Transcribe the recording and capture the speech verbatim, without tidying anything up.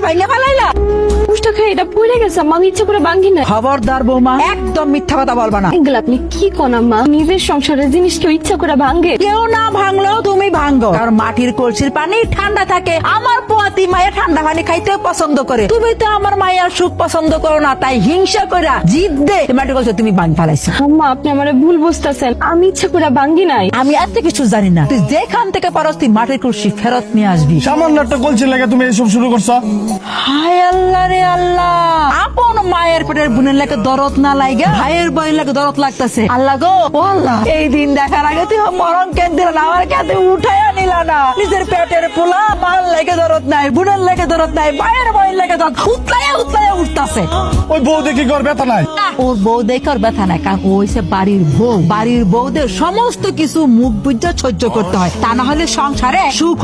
ভাঙে ফেলাইলা। পুষ্টা খাই এটা পড়ে গেছে আম্মা, আমি ইচ্ছা করে ভাঙ্গি না। খবরদার বৌমা, একদম মিথ্যা কথা বলবা না। এগুলো আপনি কি কোন আম্মা? নিজের সংসারের জিনিস কেউ ইচ্ছা করে ভাঙ্গে? কেউ না ভাঙলেও তুমি ভাঙ্গো, কারণ মাটির কলসির পানি ঠান্ডা থাকে। আমার পোয়াতি মায়ের ঠান্ডা পানি খাইতে পছন্দ করে, তুমি তো আমার মায়ের সুখ পছন্দ করো না, তাই হিংসা করে জিদ দে মাটির কলসি তুমি ভাঙ ফেলাইছো। আম্মা আপনি আমারে ভুল বুঝতেছেন, আমি ইচ্ছা করে ভাঙ্গি নাই। আমি এত কিছু জানি না, তুই যেখান থেকে পারস তুই মাটির কলসি ফেরত নিয়ে আসবি। সামান্য একটা কলসি লাগে তুমি এইসব শুরু করছো? হায় আল্লাহ রে আল্লাহ, আপন মায়ের পেটের বোনের লাগে দরদ না লাগা ভাইয়ের বইয়ের লাগে দরদ লাগতেছে। আল্লাহ গো, ও আল্লাহ, এই দিন দেখার আগে তুই মরণ কেন দিল না, আমার কাছে উঠাইয়া নিল না। নিজের পেটের পোলা মার লেগে দরদ নাই, বোনের লেগে দরদ নাই, ভাইয়ের বইয়ের লেগে দরদ উতলাইয়া উতলাইয়া উঠতেছে। ওই বউ দেখি ঘর ব্যথা নাই? ওর বউ দেখে ওর ব্যথা নাই, কারণ ও হইছে বাড়ির বউ। বাড়ির বউদের সমস্ত কিছু মুখ বুঝে সহ্য করতে হয়, তা না হলে সংসারে সুখ